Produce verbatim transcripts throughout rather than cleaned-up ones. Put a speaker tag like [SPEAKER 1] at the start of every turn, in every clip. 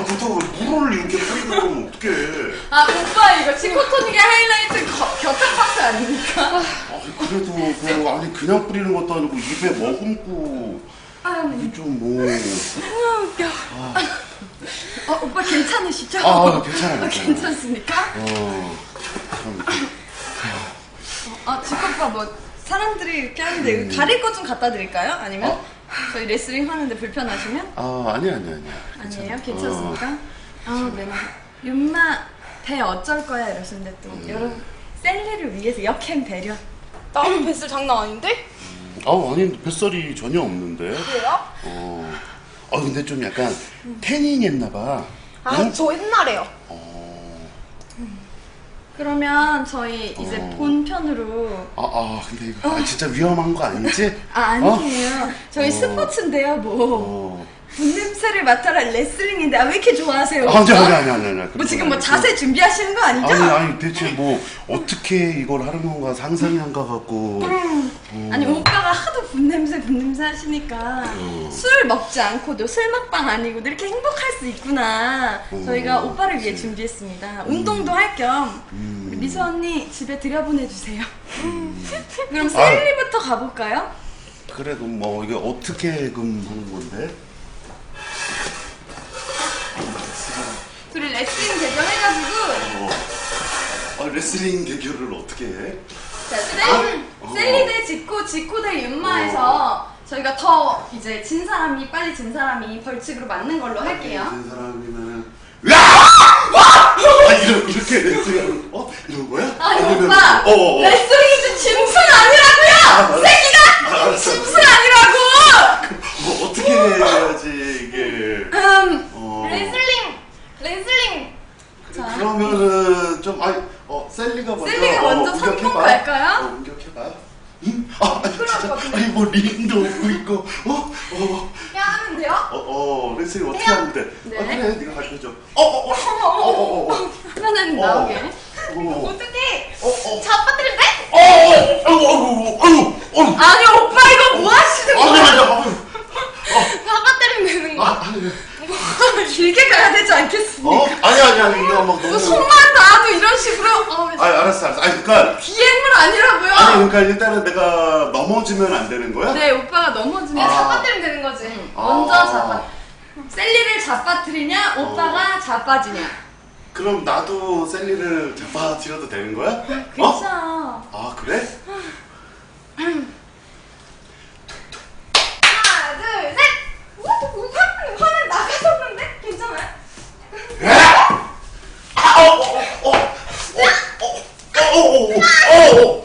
[SPEAKER 1] 그렇다고 물을 이렇게 뿌리고 그러면 어떡해.
[SPEAKER 2] 아 오빠 이거 치코토닉의 하이라이트 곁탕 파스 아닙니까?
[SPEAKER 1] 아니 그래도 그 아니 그냥 뿌리는 것도 아니고 입에 머금고 이게 좀 뭐.
[SPEAKER 2] 아 웃겨. 아. 어, 오빠 괜찮으시죠?
[SPEAKER 1] 아 괜찮아요.
[SPEAKER 2] 아, 괜찮습니까?
[SPEAKER 1] 어. 참.
[SPEAKER 2] 아 치코빠 뭐 사람들이 이렇게 하는데 음. 가릴 거 좀 갖다 드릴까요? 아니면 어? 저희 레슬링 하는데 불편하시면?
[SPEAKER 1] 아 아니 아니 아니.
[SPEAKER 2] 아니에요? 괜찮습니까? 어. 아 네. 윤마 배 어쩔 거야 이러시는데 또 음. 여러분 셀리를 위해서 역행 배려.
[SPEAKER 3] 나는 뱃살 장난 아닌데?
[SPEAKER 1] 음. 아 아니 뱃살이 전혀 없는데.
[SPEAKER 3] 그래요?
[SPEAKER 1] 어. 아 근데 좀 약간 음. 태닝 했나봐.
[SPEAKER 3] 아 저 응? 옛날에요.
[SPEAKER 1] 어.
[SPEAKER 2] 음. 그러면 저희 이제 어. 본편으로.
[SPEAKER 1] 아, 아 근데 이거 어. 아, 진짜 위험한 거 아니지?
[SPEAKER 2] 아 아니에요. 어? 저희
[SPEAKER 1] 어.
[SPEAKER 2] 스포츠인데요 뭐.
[SPEAKER 1] 어.
[SPEAKER 2] 분냄새를 맡아라 레슬링인데 아, 왜 이렇게 좋아하세요?
[SPEAKER 1] 아니 아니 아니 아니 아니.
[SPEAKER 2] 뭐 지금 뭐 자세 준비하시는 거 아니죠?
[SPEAKER 1] 아니 아니 대체 뭐 어떻게 이걸 하는 건가 상상이 안 가갖고.
[SPEAKER 2] 음. 어. 아니 오빠가 하도 분냄새 분냄새 하시니까 어. 술 먹지 않고도 술 먹방 아니고도 이렇게 행복할 수 있구나. 어. 저희가 오빠를 위해 준비했습니다. 음. 운동도 할 겸 음. 우리 미소 언니 집에 들여보내주세요. 음. 그럼 셀리부터 가볼까요?
[SPEAKER 1] 그래 그럼 뭐 이게 어떻게 그럼 하는 건데?
[SPEAKER 2] 둘이 레슬링 대결 해가지고
[SPEAKER 1] 어. 아 레슬링 대결을 어떻게 해?
[SPEAKER 2] 자 셀리, 어. 셀리 대 지코, 지코 대 윤마에서 어. 저희가 더 이제 진 사람이 빨리 진 사람이 벌칙으로 맞는 걸로 할게요.
[SPEAKER 1] 진 사람이면은 아 이런 이렇게 레슬링 어 이런 거야?
[SPEAKER 2] 아니
[SPEAKER 1] 아니면,
[SPEAKER 2] 오빠
[SPEAKER 1] 어, 어, 어.
[SPEAKER 2] 레슬링이 짐승 아니라고요. 새끼가
[SPEAKER 1] 아,
[SPEAKER 2] 짐승 아니라고.
[SPEAKER 1] 뭐 어떻게 해야지 이게?
[SPEAKER 2] 음
[SPEAKER 1] 어.
[SPEAKER 3] 레슬링 레슬링.
[SPEAKER 1] 자. 그러면은 좀 아니 어 셀리가 먼저
[SPEAKER 2] 셀리가 먼저
[SPEAKER 1] 어,
[SPEAKER 2] 선봉 갈까요?
[SPEAKER 1] 어, 공격해봐. 응? 아 아니 진짜 아니 뭐 링도 없고 있고 어? 어?
[SPEAKER 3] 야 하면 돼요?
[SPEAKER 1] 어, 어 레슬링 어떻게
[SPEAKER 3] 해요?
[SPEAKER 1] 하면 돼?
[SPEAKER 2] 네.
[SPEAKER 1] 아 그래 네가 가르쳐줘. 어어어 어어어
[SPEAKER 2] 하나는 나오게.
[SPEAKER 3] 어떻게?
[SPEAKER 1] 어어
[SPEAKER 3] 잡아뜨리면 돼?
[SPEAKER 1] 어어 아이고 아이고 아이고
[SPEAKER 2] 아니 오빠 이거 뭐 하시는 거야?
[SPEAKER 1] 아니 아니 아니
[SPEAKER 3] 잡아뜨리면 되는 거야?
[SPEAKER 1] 아 아니
[SPEAKER 2] 길게 가야 되지 않겠습니까?
[SPEAKER 1] 어? 아니 아니 아니 이거 막 너무
[SPEAKER 2] 손만 닿아도 이런 식으로 어,
[SPEAKER 1] 아니 알았어 알았어 아니 그니까
[SPEAKER 2] 비행물 아니라고요?
[SPEAKER 1] 아니 그러니까 일단은 내가 넘어지면 안 되는 거야?
[SPEAKER 2] 네 오빠가 넘어지면
[SPEAKER 3] 아.
[SPEAKER 2] 잡아
[SPEAKER 3] 잡아뜨리면 되는 거지.
[SPEAKER 2] 응. 먼저
[SPEAKER 1] 아.
[SPEAKER 2] 잡아 셀리를 잡아뜨리냐 오빠가
[SPEAKER 1] 어.
[SPEAKER 2] 자빠지냐.
[SPEAKER 1] 그럼 나도 셀리를 잡아들여도 되는 거야?
[SPEAKER 2] 그쵸.
[SPEAKER 1] 어? 아 그래?
[SPEAKER 3] 하나 둘 셋. 화, 화는 나가셨는데? 괜찮아요?
[SPEAKER 1] 아, 어, 어, 어, 어, 어, 어, 어, 어, 어.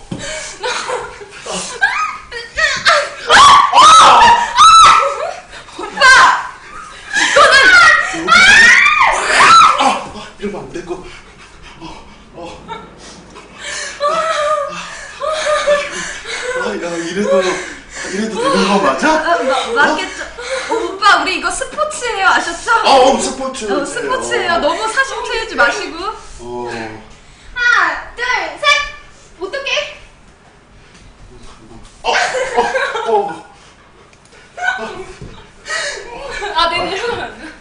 [SPEAKER 2] 오빠! 이거는!
[SPEAKER 1] 아, 아, 이러면 안 되고. 어, 어. 아, 야, 이래도, 이래도 되는 거 맞아?
[SPEAKER 2] 아, 마, 맞겠죠. 어, 오빠 우리 이거 스포츠예요 아셨죠?
[SPEAKER 1] 아, 어, 스포츠.
[SPEAKER 2] 어, 스포츠예요.
[SPEAKER 1] 어.
[SPEAKER 2] 너무 사심 채우지 마시고.
[SPEAKER 1] 어.
[SPEAKER 3] 하나 둘 셋. 어떻게?
[SPEAKER 1] 어, 어, 어.
[SPEAKER 3] 아 내가 이러면 안 돼.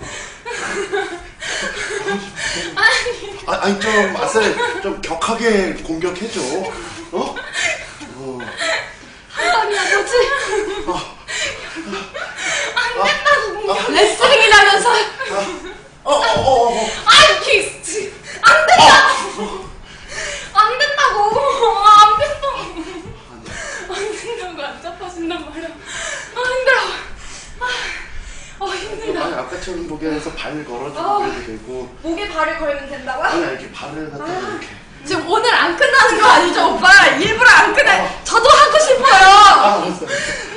[SPEAKER 3] 아니
[SPEAKER 1] 아, 아니 좀 맛을 좀 격하게 공격해줘. 어? 어.
[SPEAKER 3] 아니야 뭐지?
[SPEAKER 1] 어.
[SPEAKER 3] 안 된다고.
[SPEAKER 1] 아,
[SPEAKER 2] 레슬링이라면서.
[SPEAKER 1] 어, 어, 어, 어.
[SPEAKER 3] 아이 키스. 안 된다고. 안 된다고. 아, 안 된다고. 안 된다고 안 잡아준단 말이야. 아 힘들어. 아, 어 힘들다.
[SPEAKER 1] 아니 아까처럼 목에서 발 걸어주고
[SPEAKER 3] 어.
[SPEAKER 1] 그래도 되고.
[SPEAKER 3] 목에 발을 걸면 된다고요?
[SPEAKER 1] 아니 이렇게 발을 갖다 가 이렇게.
[SPEAKER 2] 지금 오늘 안 끝나는 거 아니죠 오빠? 일부러 안 끝나.
[SPEAKER 1] 어.
[SPEAKER 2] 저도 하고 싶어요.
[SPEAKER 1] 아 알았어.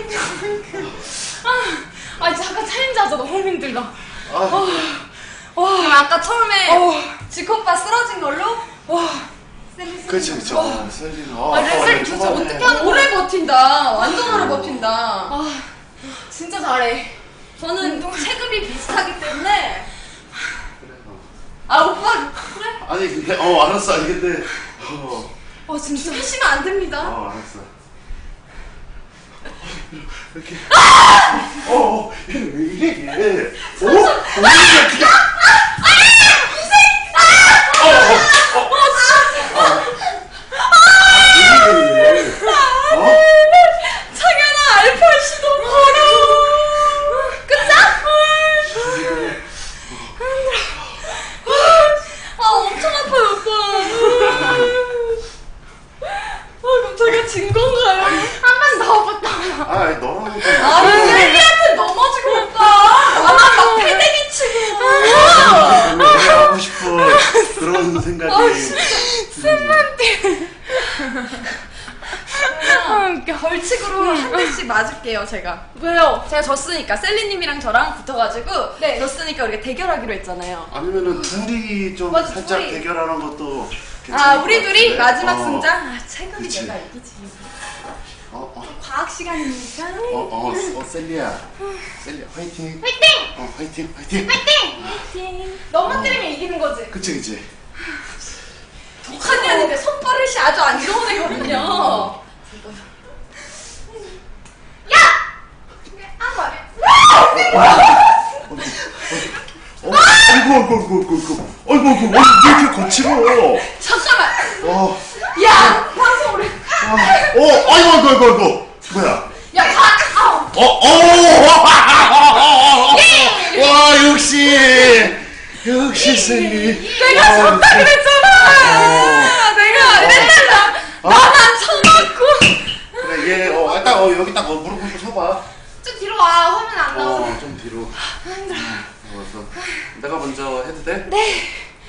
[SPEAKER 3] 아, 아 잠깐 챌린지 하자. 너무 힘들다.
[SPEAKER 1] 아,
[SPEAKER 3] 어,
[SPEAKER 2] 그럼 아까 처음에
[SPEAKER 3] 어.
[SPEAKER 2] 지코 오빠 쓰러진 걸로?
[SPEAKER 3] 와.
[SPEAKER 1] 그렇지 그렇지. 아, 셀리는 아,
[SPEAKER 2] 아, 레슬링
[SPEAKER 1] 아,
[SPEAKER 2] 도대체
[SPEAKER 1] 초반에.
[SPEAKER 2] 어떻게 하는 오래 버틴다. 완전 오래 버틴다.
[SPEAKER 3] 아 진짜 잘해.
[SPEAKER 2] 저는 체급이 비슷하기 때문에.
[SPEAKER 1] 그래, 어.
[SPEAKER 2] 아 오빠 그래?
[SPEAKER 1] 아니 근데 어 알았어 아니 근데 어,
[SPEAKER 2] 어 진짜 하시면 안 됩니다.
[SPEAKER 1] 어 알았어. 이렇게. 어, 어, 얘는 왜 이래, 얘? 어? 어, 그냥. 어, 어, 어, 어. 왜 이래, 얘? 어?
[SPEAKER 2] 창현아, 알파시도 걸어. 끝장? 아, 엄청 아파요, 오빠. 아, 그럼 저희가 진 건가요?
[SPEAKER 3] 한 번 더 오빠.
[SPEAKER 1] 아, 너랑은 좀.
[SPEAKER 2] 아, 셀리한테 넘어지고 오빠. 아, 막 패대기 치고.
[SPEAKER 1] 왜 하고 싶어. 그런 생각이.
[SPEAKER 3] 아, 웃겨.
[SPEAKER 2] 벌칙으로 한 대씩 맞을게요, 제가.
[SPEAKER 3] 왜요?
[SPEAKER 2] 제가 졌으니까 셀리님이랑 저랑 붙어가지고
[SPEAKER 3] 네.
[SPEAKER 2] 졌으니까 우리가 대결하기로 했잖아요.
[SPEAKER 1] 아니면은 둘이 좀
[SPEAKER 2] 맞아,
[SPEAKER 1] 살짝
[SPEAKER 2] 둘이.
[SPEAKER 1] 대결하는 것도 괜찮을
[SPEAKER 2] 아,
[SPEAKER 1] 것
[SPEAKER 2] 우리 둘이
[SPEAKER 1] 같은데?
[SPEAKER 2] 마지막
[SPEAKER 1] 어.
[SPEAKER 2] 승자? 아, 체급이
[SPEAKER 1] 그치.
[SPEAKER 2] 내가 이기지.
[SPEAKER 1] 어, 어,
[SPEAKER 2] 과학 시간이니까.
[SPEAKER 1] 어, 어, 어, 셀리야. 셀리야, 화이팅.
[SPEAKER 3] 화이팅!
[SPEAKER 1] 어, 화이팅, 화이팅.
[SPEAKER 3] 화이팅! 너만 때리면 이기는 거지?
[SPEAKER 1] 그치, 그치.
[SPEAKER 2] 독한 년인데 손버릇이 아주 안 좋은 애거든요.
[SPEAKER 3] 야! 아, 말해.
[SPEAKER 1] 어, 아이고, 아이고, 아이고, 아이고, 아이고, 아이고, 왜 이렇게 거칠어?
[SPEAKER 2] 잠깐만.
[SPEAKER 1] 어,
[SPEAKER 2] 야! 방송 우리.
[SPEAKER 1] 어, 어, 아이고, 아이고, 아이고, 아이고. 뭐야?
[SPEAKER 2] 야, 가! 아우.
[SPEAKER 1] 어, 어, 와, 역시, 역시 셀리.
[SPEAKER 2] 내가 졌다 그랬잖아. 내가 맨날 나, 나만 쳐맞고.
[SPEAKER 1] 그래, 얘, 어, 딱, 어, 여기 딱, 어, 무릎 꿇고 서봐.
[SPEAKER 3] 좀 뒤로 와. 화면 안 나오잖아.
[SPEAKER 1] 어, 좀 뒤로. 알았어. 내가 먼저 해도 돼?
[SPEAKER 3] 네.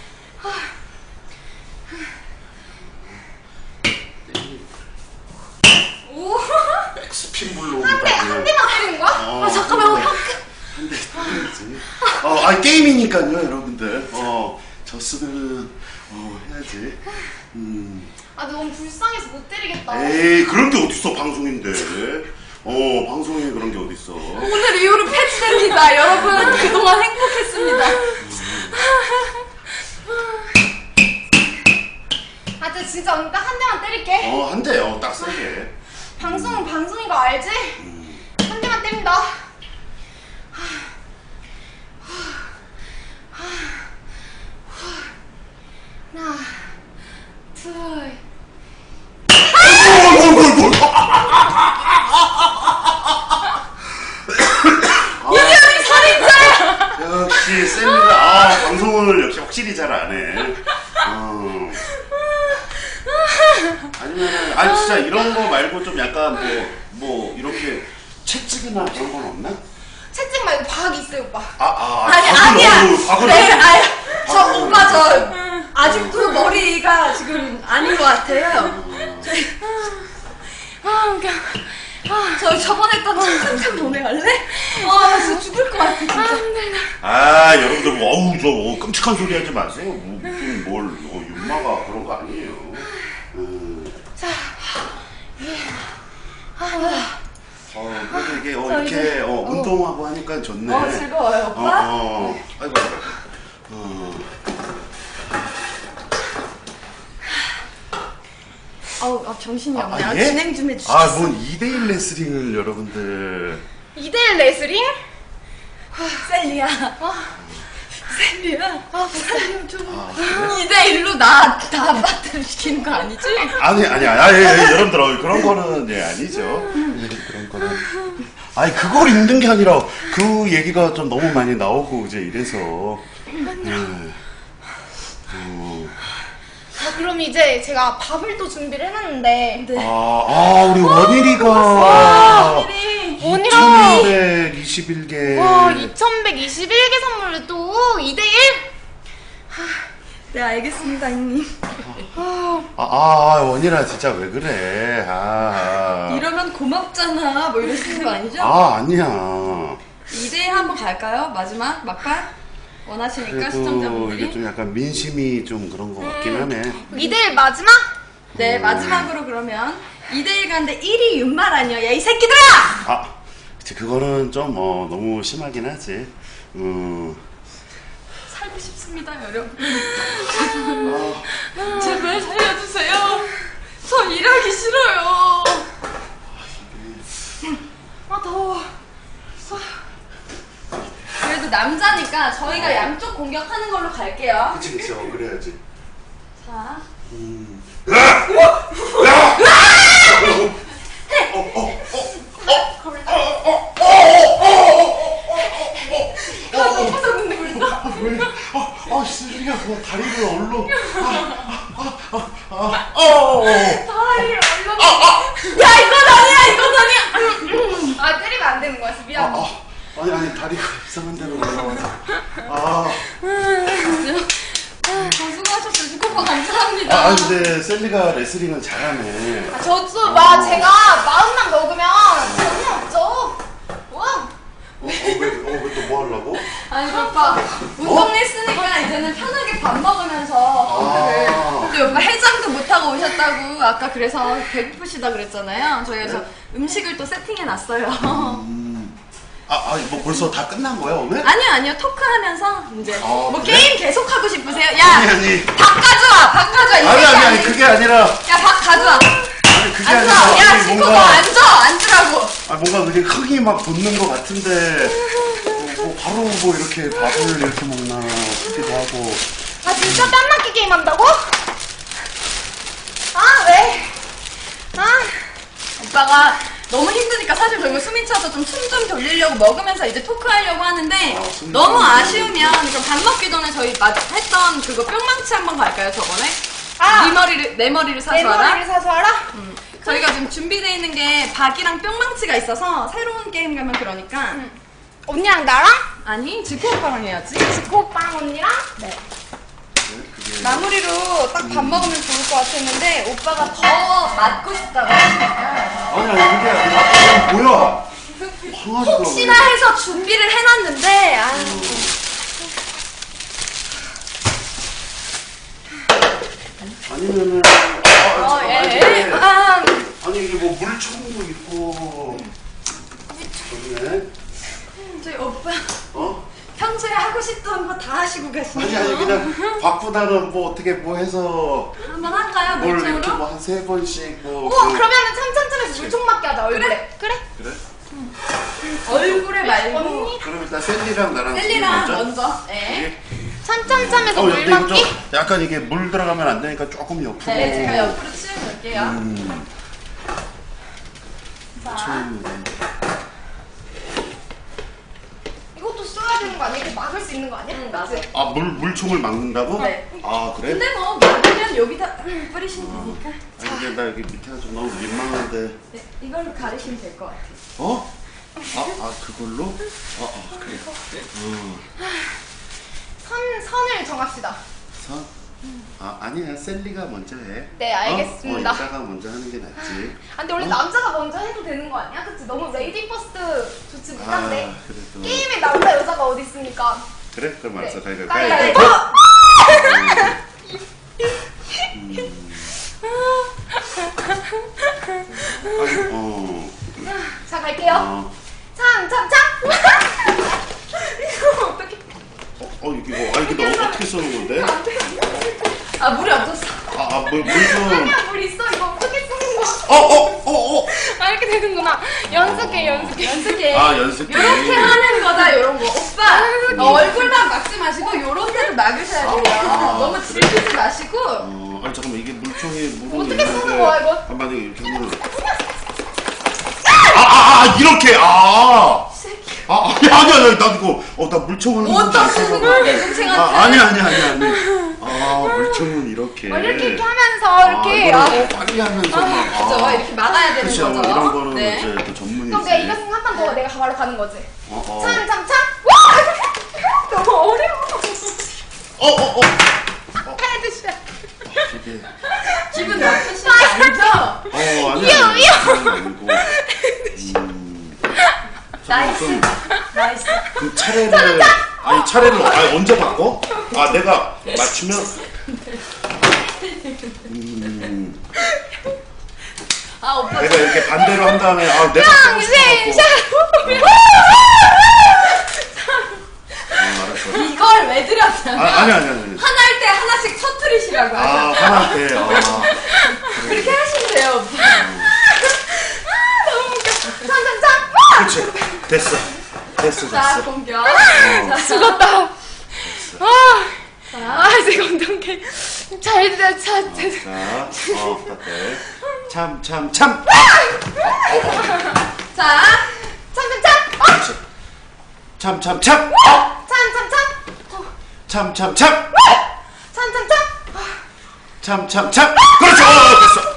[SPEAKER 3] 오.
[SPEAKER 1] 백스핀 불로
[SPEAKER 3] 한 대, 한 대만 때리는 거야?
[SPEAKER 1] 어,
[SPEAKER 3] 아, 잠깐만.
[SPEAKER 1] 한 대 때려야지. 어, 아, 게임이니까요, 여러분들. 어, 졌으면, 어, 해야지. 음.
[SPEAKER 3] 아, 너무 불쌍해서 못 때리겠다.
[SPEAKER 1] 에이, 그런 게 어딨어, 방송인데. 어, 방송에 그런 게 어딨어.
[SPEAKER 2] 오늘 이후로 폐지됩니다. 여러분, 그동안 행복했습니다.
[SPEAKER 3] 아, 저 진짜 언니 딱 한 대만 때릴게.
[SPEAKER 1] 어, 한 대, 어, 딱 세게.
[SPEAKER 3] 방송은 방송인 거 알지? 한 대만 때린다. 하나, 둘.
[SPEAKER 2] 유명이 살인자!
[SPEAKER 1] 역시, 셀리가, 아, 방송을 역시 확실히 잘 안 해. 어. 아니면은, 아니, 진짜 이런 거 말고 좀 약간 뭐, 뭐, 이렇게 채찍이나 그런 건 없나?
[SPEAKER 3] 채찍 말고 박 있어요, 오빠.
[SPEAKER 1] 아, 아,
[SPEAKER 2] 아니,
[SPEAKER 1] 박을
[SPEAKER 2] 아니야.
[SPEAKER 1] 넣어, 박을
[SPEAKER 2] 네,
[SPEAKER 1] 넣어.
[SPEAKER 2] 아니, 저
[SPEAKER 1] 박을
[SPEAKER 2] 오빠
[SPEAKER 1] 넣어.
[SPEAKER 2] 저 아직도 머리가 지금 아닌 것 같아요.
[SPEAKER 3] 아, 웃겨.
[SPEAKER 2] 저 저번에 했던 칭찬 보내갈래? 아, 나 진짜 죽을 것 같아, 진짜.
[SPEAKER 1] 아, 여러분들, 뭐, 어우, 저, 어, 끔찍한 소리 하지 마세요. 뭐, 무슨, 뭘, 어, 윤마가 그런 거 아니에요. 음.
[SPEAKER 3] 자,
[SPEAKER 1] 어, 그래도 이게, 어, 이렇게, 어, 운동하고 하니까 좋네.
[SPEAKER 2] 어, 즐거워요,
[SPEAKER 1] 어,
[SPEAKER 2] 오빠?
[SPEAKER 1] 어, 아이고, 아이고. 어.
[SPEAKER 2] 아우, 아, 정신이
[SPEAKER 1] 아,
[SPEAKER 2] 없네. 아,
[SPEAKER 1] 예?
[SPEAKER 2] 진행 좀 해주시겠어?
[SPEAKER 1] 아, 뭔 이 대일 레슬링을 여러분들.
[SPEAKER 3] 이 대일 레슬링?
[SPEAKER 2] 셀리야. 셀리야. 아, 셀리야 좀.
[SPEAKER 1] 아, 그래?
[SPEAKER 2] 이 대 일로 나 다 빠뜨려 시키는 거 아니지?
[SPEAKER 1] 아니, 아니, 아니, 예, 예, 여러분들, 어, 그런 거는, 예, 아니죠. 예, 그런 거는. 아니, 그걸 읽는 게 아니라, 그 얘기가 좀 너무 많이 나오고, 이제 이래서. 예. 어.
[SPEAKER 3] 자, 그럼 이제 제가 밥을 또 준비를 해놨는데.
[SPEAKER 2] 네.
[SPEAKER 1] 아, 아, 우리 원일이가.
[SPEAKER 2] 원일이.
[SPEAKER 3] 원이랑.
[SPEAKER 1] 이천백이십일 개.
[SPEAKER 3] 와, 이천백이십일 개 선물을 또 이 대 일?
[SPEAKER 2] 네, 알겠습니다, 형님.
[SPEAKER 1] 아, 아, 원일아, 진짜 왜 그래. 아.
[SPEAKER 2] 이러면 고맙잖아. 뭐 이러시는 거 아니죠?
[SPEAKER 1] 아, 아니야.
[SPEAKER 2] 이 대 일 한번 갈까요? 마지막 막판? 원하시니까
[SPEAKER 1] 그래도
[SPEAKER 2] 시청자분들이.
[SPEAKER 1] 이게 좀 약간 민심이 좀 그런 거 같긴 하네.
[SPEAKER 3] 이 대 일 마지막?
[SPEAKER 2] 네, 마지막으로 그러면 이 대 일 가는데 일 위 윤말 아니야. 야, 이 새끼들아!
[SPEAKER 1] 아, 그치, 그거는 좀, 어, 너무 심하긴 하지. 음.
[SPEAKER 2] 살고 싶습니다, 여러분. 제발 살려주세요. 저 일하기 싫어요. 그러니까 저희가 양쪽 공격하는 걸로 갈게요.
[SPEAKER 1] 그치 그치 어 그래야지.
[SPEAKER 2] 자.
[SPEAKER 1] 음. 아, 슬리가 그 다리를 얼로.
[SPEAKER 3] 다리를 얼려. 야 이건 아니야 이건 아니야. 아 때리면 안 되는 거야. 미안.
[SPEAKER 1] 아, 아니 아니 다리가 이상한 데로 올라와서. 아.
[SPEAKER 2] 아, 수고하셨어요. 주코파 감사합니다.
[SPEAKER 1] 아, 근데 셀리가 레슬링을 잘하네.
[SPEAKER 3] 아, 저도 막 제가 마음만 먹으면 재미없죠. 와.
[SPEAKER 1] 어, 왜또 뭐 하려고?
[SPEAKER 2] 아니 오빠 운동 했으니까 이제는 편하게 밥 먹으면서 컴퓨터를.
[SPEAKER 1] 아.
[SPEAKER 2] 근데 오빠 해장도 못 하고 오셨다고 아까 그래서 배고프시다 그랬잖아요. 저희가
[SPEAKER 1] 네?
[SPEAKER 2] 저 음식을 또 세팅해 놨어요.
[SPEAKER 1] 음. 아, 아, 뭐 벌써 다 끝난 거야 오늘?
[SPEAKER 2] 아니요 아니요 토크하면서 이제
[SPEAKER 1] 아,
[SPEAKER 2] 뭐
[SPEAKER 1] 그래?
[SPEAKER 2] 게임 계속 하고 싶으세요? 야
[SPEAKER 1] 아니 아니.
[SPEAKER 2] 밥 가져와 밥 가져와. 이
[SPEAKER 1] 아니
[SPEAKER 2] 새끼
[SPEAKER 1] 아니 아니 그게 아니라.
[SPEAKER 2] 야밥 가져와.
[SPEAKER 1] 아니 그게
[SPEAKER 2] 앉아.
[SPEAKER 1] 아니라.
[SPEAKER 2] 야
[SPEAKER 1] 아니,
[SPEAKER 2] 지금
[SPEAKER 1] 뭔가-
[SPEAKER 2] 너 앉아 앉으라고.
[SPEAKER 1] 아 뭔가 그게 흥이 막 돋는 것 같은데 뭐, 뭐 바로 뭐 이렇게 밥을 이렇게 먹나 싶기도 하고.
[SPEAKER 3] 아 진짜 땀 맞게 게임 한다고? 아 왜? 아.
[SPEAKER 2] 오빠가 너무 힘드니까 사실 저희가 숨이 차서 좀 숨 좀 돌리려고 먹으면서 이제 토크하려고 하는데
[SPEAKER 1] 아, 숨이
[SPEAKER 2] 너무
[SPEAKER 1] 차는데.
[SPEAKER 2] 아쉬우면 그럼 밥 먹기 전에 저희 마- 했던 그거 뿅망치 한번 갈까요 저번에?
[SPEAKER 3] 아.
[SPEAKER 2] 네 머리를 내 머리를 사서
[SPEAKER 3] 내
[SPEAKER 2] 알아?
[SPEAKER 3] 머리를 사서 알아?
[SPEAKER 2] 음. 저희가 지금 준비되어 있는 게 박이랑 뿅망치가 있어서 새로운 게임 가면 그러니까
[SPEAKER 3] 언니랑 나랑?
[SPEAKER 2] 아니 지코 오빠랑 해야지.
[SPEAKER 3] 지코 오빠랑 언니랑? 네.
[SPEAKER 1] 그게
[SPEAKER 2] 마무리로 딱 밥 먹으면 좋을 것 같았는데 오빠가 더 맞고 싶다고 하시니까
[SPEAKER 1] 아니 아니 그게 아니라 아, 뭐야? 황아지가
[SPEAKER 2] 혹시나 해서 준비를 해놨는데 아
[SPEAKER 1] 아니면은 아,
[SPEAKER 2] 어,
[SPEAKER 1] 아,
[SPEAKER 2] 예.
[SPEAKER 1] 아니, 이게-
[SPEAKER 2] 아,
[SPEAKER 1] 아니 이게 뭐 물총도 있고 좋네.
[SPEAKER 2] 저희 오빠
[SPEAKER 1] 어?
[SPEAKER 2] 평소에 하고 싶던 거 다 하시고
[SPEAKER 1] 아니
[SPEAKER 2] 계시네요.
[SPEAKER 1] 아니 그냥 바쁘다는 뭐 어떻게 뭐 해서
[SPEAKER 2] 한번 할까요?
[SPEAKER 1] 뭘 이렇게
[SPEAKER 2] 물총으로?
[SPEAKER 1] 뭐 한 세 번씩 뭐.
[SPEAKER 3] 오
[SPEAKER 1] 그-
[SPEAKER 3] 그러면은 참참참에서 물총 맞게 하자 얼굴에. 그래?
[SPEAKER 1] 그래?
[SPEAKER 2] 얼굴에 말고
[SPEAKER 3] 언니?
[SPEAKER 1] 그럼 일단 셀리랑 나랑
[SPEAKER 2] 셀리랑
[SPEAKER 1] 먼저.
[SPEAKER 2] 먼저. 네.
[SPEAKER 3] 참참참에서
[SPEAKER 1] 어,
[SPEAKER 3] 물
[SPEAKER 1] 근데 이거 좀
[SPEAKER 3] 맞기?
[SPEAKER 1] 약간 이게 물 들어가면 안 되니까 조금 옆으로.
[SPEAKER 2] 네, 제가 옆으로 치워놓을게요.
[SPEAKER 1] 음.
[SPEAKER 2] 자,
[SPEAKER 1] 처음이네.
[SPEAKER 3] 이것도 써야 되는 거 아니야? 이렇게 막을 수 있는 거 아니야?
[SPEAKER 2] 응, 맞아.
[SPEAKER 1] 아, 물 물총을 막는다고?
[SPEAKER 2] 네.
[SPEAKER 1] 아, 그래?
[SPEAKER 2] 근데 뭐 막으면 여기다 뿌리시면 되니까.
[SPEAKER 1] 아, 이게 나 여기 밑에가 좀 너무 민망한데.
[SPEAKER 2] 네, 이걸로 가리시면 될 것 같아요.
[SPEAKER 1] 어? 아, 아 그걸로? 아, 아 그래. 어.
[SPEAKER 3] 선, 선을 정합시다.
[SPEAKER 1] 선? 아, 아니야. 셀리가 먼저 해.
[SPEAKER 3] 네, 알겠습니다.
[SPEAKER 1] 어, 어 이따가 먼저 하는 게 낫지.
[SPEAKER 3] 아, 근데 원래
[SPEAKER 1] 어?
[SPEAKER 3] 남자가 먼저 해도 되는 거 아니야? 그치? 너무 레이디 퍼스트 좋지 못한데.
[SPEAKER 1] 아, 그래도.
[SPEAKER 3] 게임에 남자 여자가 어디 있습니까?
[SPEAKER 1] 그래? 그럼 알았어.
[SPEAKER 3] 네.
[SPEAKER 1] 가위가위보.
[SPEAKER 3] 가위바위보!
[SPEAKER 1] 아니, 어.
[SPEAKER 3] 자, 갈게요.
[SPEAKER 1] 어.
[SPEAKER 3] 참, 참, 참! 이거 어떻게.
[SPEAKER 1] 어, 이게 뭐, 아, 이게 너 어떻게 써는 건데?
[SPEAKER 2] 아, 물이 없었어.
[SPEAKER 1] 아, 아, 물, 물 좀.
[SPEAKER 3] 아니야, 물 있어. 이거 어떻게 쓰는 거야?
[SPEAKER 1] 어, 어, 어, 어.
[SPEAKER 3] 아, 이렇게 되는구나. 연습해, 연습해.
[SPEAKER 2] 연습해.
[SPEAKER 1] 아, 연습해.
[SPEAKER 2] 요렇게 하는 거다, 요런 거. 오빠, 어, 얼굴만 막지 마시고, 요런 데를 막으셔야 돼요.
[SPEAKER 1] 아,
[SPEAKER 2] 너무
[SPEAKER 1] 그래?
[SPEAKER 2] 질기지 마시고.
[SPEAKER 1] 어, 아니 잠깐만 이게 물총이 물은
[SPEAKER 3] 어떻게 쓰는
[SPEAKER 1] 있는데
[SPEAKER 3] 거야, 이거?
[SPEAKER 1] 아, 만약에 이렇게 하면 아, 아, 아, 이렇게 아. 아, 아니 아니 아니 나 이거 어, 나 물총을
[SPEAKER 2] 어디다 쓰는 거야, 내 동생한테?
[SPEAKER 1] 아, 아니 아니 아니 아니. 아, 물총은 이렇게.
[SPEAKER 3] 어, 이렇게, 이렇게 하면서, 이렇게.
[SPEAKER 1] 아,
[SPEAKER 3] 아,
[SPEAKER 1] 이거를 어, 빨리 하면서 막.
[SPEAKER 2] 그죠?
[SPEAKER 1] 아.
[SPEAKER 2] 이렇게 막아야 되는
[SPEAKER 1] 그쵸,
[SPEAKER 2] 거죠.
[SPEAKER 1] 이런 거는
[SPEAKER 2] 네.
[SPEAKER 1] 이제 또 전문이지.
[SPEAKER 3] 그럼 내가 이겼으면 한 판 더 내가 바로 가는 거지.
[SPEAKER 1] 어, 어.
[SPEAKER 3] 참, 참, 참! 와! 너무 어려워.
[SPEAKER 1] 어, 어, 어.
[SPEAKER 3] 헤드샷.
[SPEAKER 1] 이게
[SPEAKER 2] 기분 나쁘신 거 아니죠?
[SPEAKER 1] 어, 아니
[SPEAKER 3] 이요,
[SPEAKER 1] 아니.
[SPEAKER 3] 이요.
[SPEAKER 1] 그런 거 아니고. 음.
[SPEAKER 2] 나이스.
[SPEAKER 1] 좀
[SPEAKER 2] 나이스.
[SPEAKER 1] 그 차례를 아니 차례를 아니 언제 바꿔? 아 내가 맞추면 음,
[SPEAKER 2] 아, 오빠.
[SPEAKER 1] 내가 이렇게 반대로 한 다음에 아 내가 하고
[SPEAKER 3] 쌍신,
[SPEAKER 1] 싶어갖고
[SPEAKER 3] 샤!
[SPEAKER 1] 어, 알았어.
[SPEAKER 2] 이걸 왜 드렸냐면.
[SPEAKER 1] 아, 아니 아니 아니
[SPEAKER 2] 하나 할 때 하나씩 터트리시라고
[SPEAKER 1] 아
[SPEAKER 2] 하셨어요.
[SPEAKER 1] 화날 때 아,
[SPEAKER 2] 그렇게 하시면 돼요, 오빠.
[SPEAKER 3] 너무 웃겨. 참, 참, 참! 와!
[SPEAKER 1] 그렇지 됐어 됐어,
[SPEAKER 2] 자,
[SPEAKER 1] 됐어.
[SPEAKER 2] 공격.
[SPEAKER 1] 어.
[SPEAKER 2] 자,
[SPEAKER 3] 죽었다. 아,
[SPEAKER 2] 자,
[SPEAKER 3] 아, 지금 엉덩이. 잘, 잘, 잘, 잘.
[SPEAKER 1] 자, 어, 어때? 참, 참, 참.
[SPEAKER 2] 자,
[SPEAKER 3] 참, 참, 참.
[SPEAKER 1] 참, 참, 참.
[SPEAKER 3] 참, 참, 참.
[SPEAKER 1] 참, 참, 참.
[SPEAKER 3] 참, 참, 참.
[SPEAKER 1] 참, 참, 참. 그렇죠. 어, 됐어.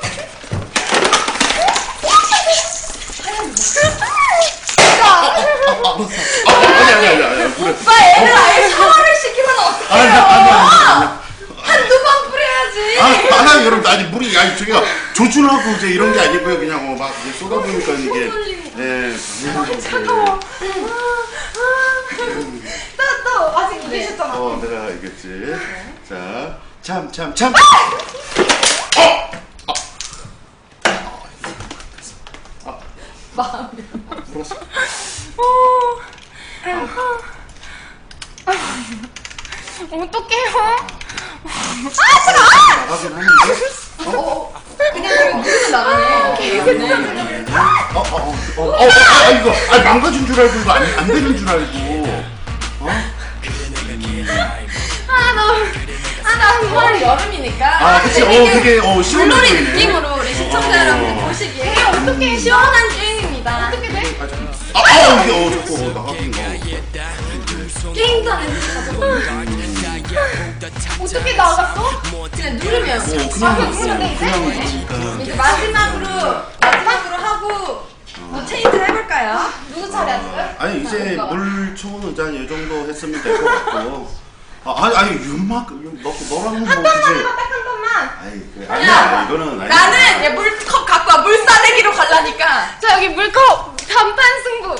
[SPEAKER 1] 아, 아니, 아니, 아니, 아니. 그래.
[SPEAKER 2] 오빠 애를 아예 샤워를 시키면 어떡해요?
[SPEAKER 1] 아니, 아니, 아니, 아니.
[SPEAKER 2] 한두 번 뿌려야지.
[SPEAKER 1] 아, 아니, 여러분, 아니, 물이, 아니, 저기가 조준하고 이제 이런 게 아니고요. 그냥 뭐 막 이제 쏟아보니까 이게. 예.
[SPEAKER 3] 차가워. 또, 또, 아직 못
[SPEAKER 2] 네.
[SPEAKER 3] 계셨잖아.
[SPEAKER 1] 어, 내가 알겠지. 자, 참, 참, 참.
[SPEAKER 2] 마음이.
[SPEAKER 1] 물었어.
[SPEAKER 3] 어떡해요?
[SPEAKER 1] 나가긴 하는데.
[SPEAKER 2] 어, 그냥 이거 무슨 나가네.
[SPEAKER 1] 어, 어, 어, 어, 어, 아, 이거, 아, 망가진 줄 알고, 이거 안, 안 되는 줄 알고. 어?
[SPEAKER 3] 아, 너무. 아, 나 한 번.
[SPEAKER 2] 여름이니까.
[SPEAKER 1] 아, 그치, 어, 되게, 어, 시원해
[SPEAKER 2] 물놀이
[SPEAKER 1] 보이네.
[SPEAKER 2] 느낌으로 우리 시청자 여러분들 보시기에
[SPEAKER 3] 어떡해,
[SPEAKER 2] 시원한 게임입니다.
[SPEAKER 3] 어떻게 돼?
[SPEAKER 1] 아, 아, 이게, 어, 자꾸, 어, 나가긴, 어.
[SPEAKER 2] 게임도 안 해서
[SPEAKER 3] 어떻게 나갔어?
[SPEAKER 2] 그냥 누르면.
[SPEAKER 1] 어,
[SPEAKER 3] 아,
[SPEAKER 1] 그냥,
[SPEAKER 3] 그냥 누르면 돼,
[SPEAKER 1] 어,
[SPEAKER 3] 이제?
[SPEAKER 1] 그냥 있으니까.
[SPEAKER 2] 이제 마지막으로 마지막으로 하고 뭐 체인지 해볼까요?
[SPEAKER 3] 누구 차례 하실까요?
[SPEAKER 1] 아니, 이제 물총은 이제 이 정도 했으면 될 것 같고. 아, 아니, 아니, 윤막, 너, 너랑은 뭐, 그지?
[SPEAKER 3] 딱 한 번만.
[SPEAKER 1] 아니, 그, 아니야, 이거는 아니야.
[SPEAKER 2] 나는 얘 물컵 갖고 와 물싸대기로 갈라니까.
[SPEAKER 3] 자, 여기 물컵 단판 승부.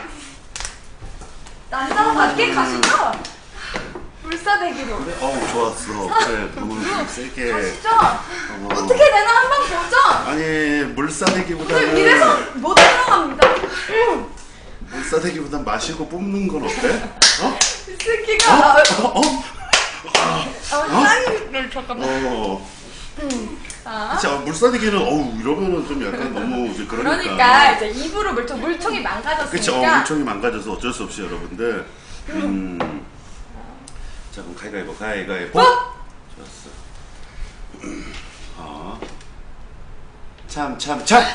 [SPEAKER 2] 난장 밖에 가시죠? 물싸대기로.
[SPEAKER 1] 그래, 어우, 좋았어. 그래, 물을 좀 세게.
[SPEAKER 2] 가시죠?
[SPEAKER 1] 어.
[SPEAKER 2] 어떻게 되나 한번 보죠.
[SPEAKER 1] 아니, 물싸대기보다는.
[SPEAKER 2] 이래서 못 들어갑니다.
[SPEAKER 1] 물싸대기보단 마시고 뽑는 건 어때? 어?
[SPEAKER 2] 이 새끼가 아,
[SPEAKER 1] 어? 어?
[SPEAKER 2] 어, 짱이를 잠깐만.
[SPEAKER 1] 어.
[SPEAKER 2] 자.
[SPEAKER 1] 그치, 아, 물싸대기는, 어우, 이러면은 좀 약간 너무 이제 그러니까.
[SPEAKER 2] 그러니까 이제 입으로 물총 물총이 망가졌으니까.
[SPEAKER 1] 그치, 어, 물총이 망가져서 어쩔 수 없이 여러분들. 음. 자, 그럼 가위가위보, 가위가위보.
[SPEAKER 2] 어?
[SPEAKER 1] 좋았어. 음. 어. 참, 참, 참!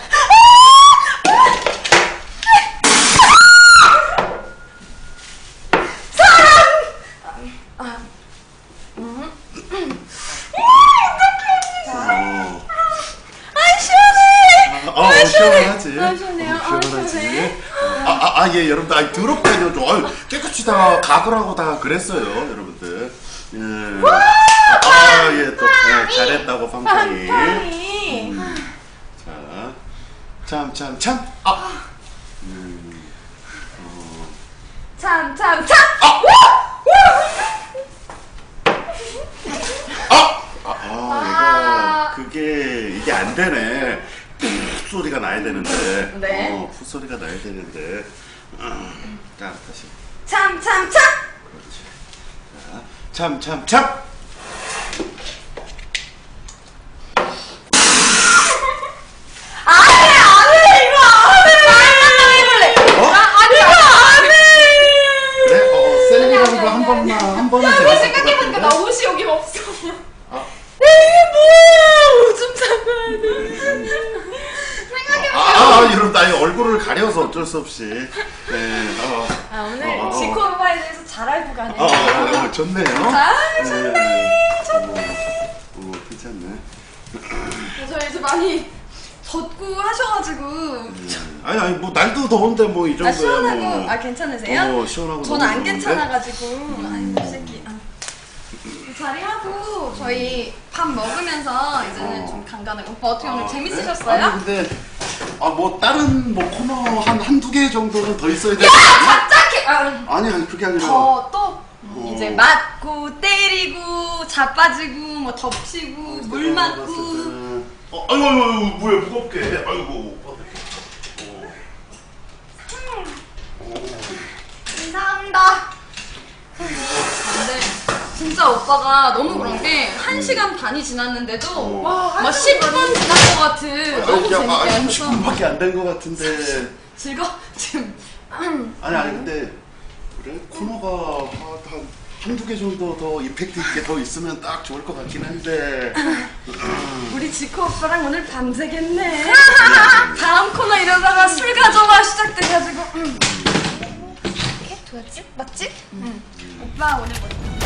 [SPEAKER 1] 어.
[SPEAKER 2] 아 시원해.
[SPEAKER 1] 어, 어, 시원하지.
[SPEAKER 2] 아, 시원해요.
[SPEAKER 1] 어,
[SPEAKER 2] 아,
[SPEAKER 1] 시원하지.
[SPEAKER 2] 시원해.
[SPEAKER 1] 아, 아, 아, 예, 여러분들, 아, 더럽게 해줘. 아유, 깨끗이 다 각을 하고 다 그랬어요, 여러분들. 예. 아, 예, 또, 예, 잘했다고, 팡팡이.
[SPEAKER 2] 팡팡이.
[SPEAKER 1] 자, 참, 참, 참. 아. 음. 어.
[SPEAKER 2] 참, 참, 참.
[SPEAKER 1] 아! 아! 아, 아, 이거, 그게, 이게 안 되네. 푸 소리가 나야 되는데.
[SPEAKER 2] 네.
[SPEAKER 1] 어, 푸 소리가 나야 되는데. 음. 자, 다시.
[SPEAKER 2] 참, 참, 참.
[SPEAKER 1] 그렇지. 자, 참, 참, 참.
[SPEAKER 2] 안 해, 안 해, 이거 안 해. 나 해볼래.
[SPEAKER 1] 어?
[SPEAKER 2] 아니, 이거 안 해.
[SPEAKER 1] 네, 어, 어, 셀리라는 거 한 번만, 한 번은
[SPEAKER 3] 근데
[SPEAKER 1] 재밌을 것
[SPEAKER 3] 생각해보니까
[SPEAKER 1] 같은데?
[SPEAKER 3] 나 옷이 여기 없어.
[SPEAKER 1] 아,
[SPEAKER 2] 이게 뭐야? 오줌 싸가야 돼.
[SPEAKER 3] 생각해보니까.
[SPEAKER 1] 아, 아, 이런 나의 얼굴을 가려서 어쩔 수 없이. 네, 어,
[SPEAKER 2] 아, 오늘
[SPEAKER 1] 어, 어.
[SPEAKER 2] 지코 오빠에 대해서 잘 알고 가네.
[SPEAKER 1] 어, 어, 어, 어, 좋네요.
[SPEAKER 2] 아, 좋네.
[SPEAKER 1] 좋네. 오, 괜찮네.
[SPEAKER 2] 저 이제 많이 덥고 하셔가지고.
[SPEAKER 1] 음, 아니, 아니, 뭐, 날도 더운데, 뭐, 이 정도야.
[SPEAKER 2] 아, 시원하고,
[SPEAKER 1] 뭐.
[SPEAKER 2] 아, 괜찮으세요?
[SPEAKER 1] 어, 시원하고.
[SPEAKER 2] 저는
[SPEAKER 1] 너무
[SPEAKER 2] 안
[SPEAKER 1] 좋은데?
[SPEAKER 2] 괜찮아가지고. 아이, 이 새끼. 아. 자리하고, 저희 밥 먹으면서 이제는
[SPEAKER 1] 어.
[SPEAKER 2] 좀 간간하고. 오빠 어떻게 오늘
[SPEAKER 1] 아,
[SPEAKER 2] 재밌으셨어요?
[SPEAKER 1] 네? 아니, 근데, 아, 뭐, 다른, 뭐, 코너 한, 한두 개 정도는 더 있어야 되지
[SPEAKER 2] 야!
[SPEAKER 1] 않나?
[SPEAKER 2] 갑자기! 아,
[SPEAKER 1] 아니, 아니, 그게 아니라.
[SPEAKER 2] 더, 또,
[SPEAKER 1] 어.
[SPEAKER 2] 이제 맞고, 때리고, 자빠지고, 뭐, 덮치고, 물 맞고.
[SPEAKER 1] 어, 아이고, 아이고, 아이고, 뭐야, 무겁게. 아이고.
[SPEAKER 3] 감사합니다.
[SPEAKER 2] 근데 진짜 오빠가 너무 그런 게 한 시간 반이 지났는데도
[SPEAKER 1] 어.
[SPEAKER 3] 와,
[SPEAKER 2] 막 십 분 지난 것 같은 너무 재밌게
[SPEAKER 1] 아,
[SPEAKER 2] 하셔서
[SPEAKER 1] 삼십 분밖에 안 된 것 같은데.
[SPEAKER 2] 즐거 지금
[SPEAKER 1] 아니 아니 근데 그래 코너가 한, 한 한두 개 정도 더 임팩트 있게 더 있으면 딱 좋을 것 같긴 한데.
[SPEAKER 2] 우리 지코 오빠랑 오늘 밤새겠네. 다음 코너 이러다가 술 가져와 시작돼가지고. 음.
[SPEAKER 3] 이렇게 좋았지? 맞지?
[SPEAKER 2] 오빠 오늘 뭐